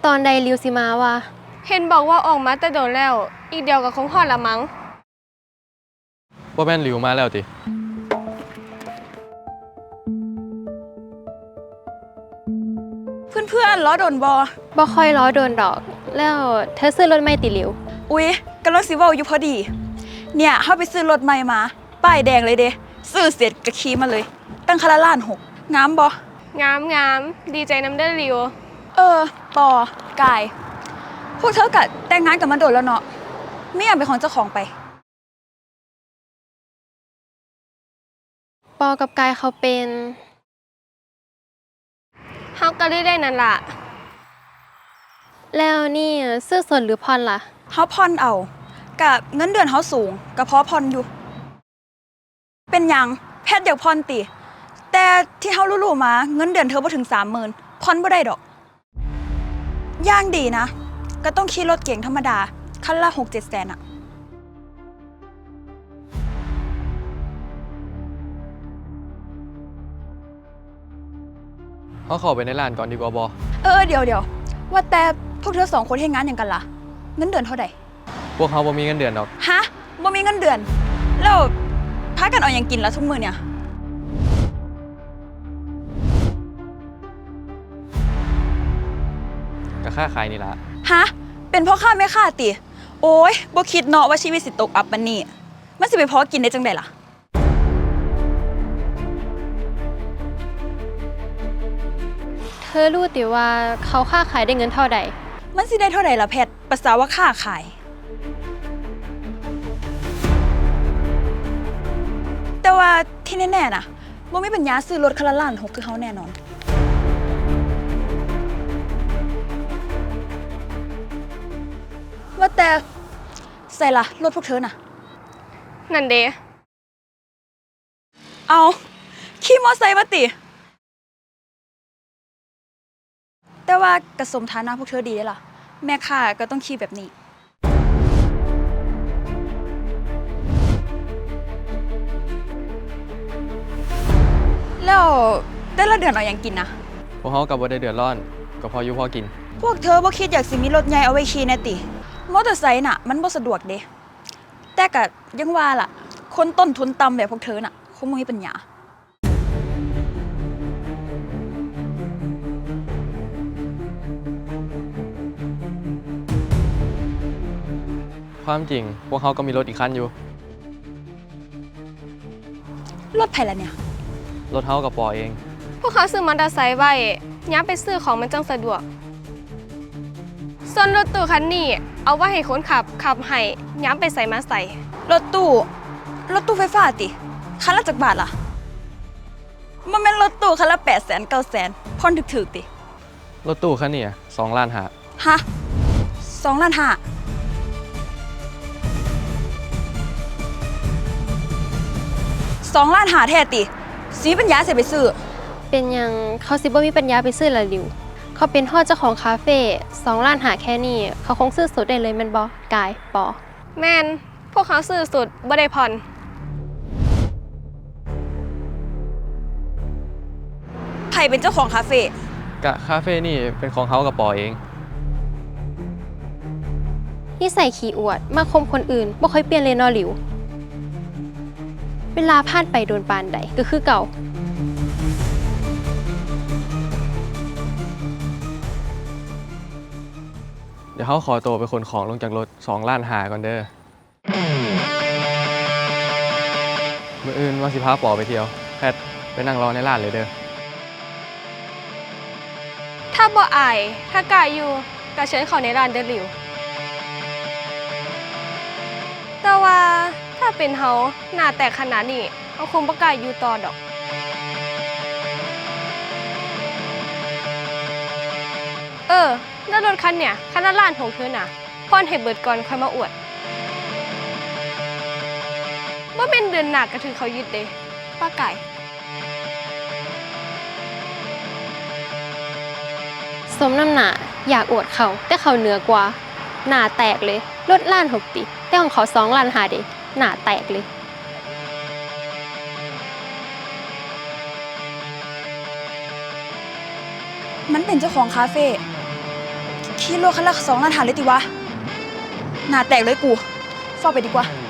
ตอนใดริวสิมาวะเห็นบอกว่าออกมาแต่โดนแล้ว อีกเดียวกับคงฮอดละมั้งบ่แม่นหลิวมาแล้วติเพื่อนๆล้อโดนบอบ่ค่อยล้อโดนดอก แล้วเธอซื้อรถใหม่ติริวอุ๊ยกำลังสิเว้าอยู่พอดี เนี่ยเฮาไปซื้อรถใหม่มา ป้ายแดงเลยเด้ซื้อเสร็จก็ขี่มาเลย ตั้งคันละล้านหกงามบ่งามดีใจน้ำเด้อริวปอกาย พวกเธอก็แต่งงานกันมาโดนแล้วเนาะไม่อยากเป็นของเจ้าของไปปอกับกายเขาเป็นเฮาก็ได้นั่นล่ะแล้วนี่ซื้อสดหรือผ่อนล่ะเฮาผ่อนเอากับเงินเดือนเฮาสูงก็พอผ่อนอยู่ เป็นหยังแพทย์อยากผ่อนติแต่ที่เฮารู้ๆมาเงินเดือนเธอบ่ถึง 30,000 ผ่อนบ่ได้ดอกย่างดีนะก็ต้องขี่รถเก๋งธรรมดาคันละ 6-7 แสนอะเขาเข้าไปในร้านก่อนดีกว่าบ่เดี๋ยวว่าแต่พวกเธอ2คนเฮ็ดงานหยังกันล่ะเงินเดือนเท่าใดพวกเขาบ่มีเงินเดือนดอกฮะบ่มีเงินเดือนแล้วพากันเอาหยังกินล่ะทุกมื้อเนี่ยก็ค่าขายนี่ล่ะฮะเป็นพ่อค้าแม่ค้าติโอ้ยบ่คิดเนาะว่าชีวิตสิตกอับปานนี้มันสิไปพอกินได้จังได๋ล่ะเธอรู้ติว่าเขาค่าขายได้เงินเท่าใดมันสิได้เท่าใดล่ะแพทภาษาว่าค้าขายแต่ว่าที่แน่ๆน่ะบ่มีปัญญาซื้อรถคันละล้านหกคือเฮาแน่นอนว่าแต่ใส่ล่ะรถพวกเธอน่ะนั่นเด้เอาขี่มอไซค์มาติแต่ว่ากระสมฐานะพวกเธอดีได้ล่ะแม่ค้าก็ต้องขี่แบบนี้แล้วแต่ละเดือนเอาอย่างกินนะพวกเขากับบ่ได้เดือดร้อนก็พออยู่พอกินพวกเธอบ่คิดอยากสิมีรถใหญ่เอาไว้ขี่แน่ติมอเตอร์ไซค์น่ะมันบ่สะดวกเด้แต่ก็ยังว่าล่ะคนต้นทุนต่ำแบบพวกเธอน่ะคงบ่มีปัญญาความจริงพวกเขาก็มีรถอีกคันอยู่รถไผล่ะเนี่ยรถเฮากับปอเองพวกเขาซื้อมอเตอร์ไซค์ไว้ย้ำไปซื้อของมันจังสะดวกส่วนรถตู้คันนี้เอาไว้ให้คนขับให้ย้ำไปใส่มาใส่รถตู้ไฟฟ้าติคันละจักบาทล่ะมันเป็นรถตู้คันละ800,000 900,000ผ่อนถึกๆติรถตู้คันนี้2 ล้านหาฮะ2 ล้านห้า2 ล้านหาแท้ติสีปัญญาเสียไปซื้อเป็นหยังเขาสิบ่มีปัญญาไปซื้อละริวเขาเป็นพ่อเจ้าของคาเฟ่2 ล้านหาแค่นี้เขาคงซื้อสดได้เลยแม่นบ่กายปอแม่นพวกเขาซื้อสุดบ่ได้ผ่อนไผเป็นเจ้าของคาเฟ่กะคาเฟ่นี่เป็นของเขากับปอเองนิสัยขี้อวดมาคมคนอื่นบ่ค่อยเปลี่ยนเลยเนาะหลิวเวลาผ่านไปโดนปานใดก็คือเก่าเดี๋ยวเขาขอตัวไปขนของลงจากรถ2 ล้านหาก่อนเด้อมื้ออื่นว่าสิพาปอไปเที่ยวแพทไปนั่งรอในร้านเลยเด้อถ้าบ่อายถ้ากายอยู่ก็เชิญเขาในร้านเด้อหลิวแต่ว่าถ้าเป็นเฮาหน้าแตกขนาดนี้เฮาคงบ่กล้าอยู่ต่อดอกแล้วรถคันเนี่ยคันละล้านของเธอน่ะผ่อนให้เบิดก่อนค่อยมาอวดบ่แม่นเดือนหน้าก็ถือเขายึดเด้ป้าไก่สมน้ำหน้าอยากอวดเขาแต่เขาเหนือกว่าหน้าแตกเลยรถล้านหกติแต่ของเขา2 ล้านหาเด้หน้าแตกเลยมันเป็นเจ้าของคาเฟ่ขี่รถคันละ2 ล้านหาเลยติวะหน้าแตกเลยกูฟ้าไปดีกว่า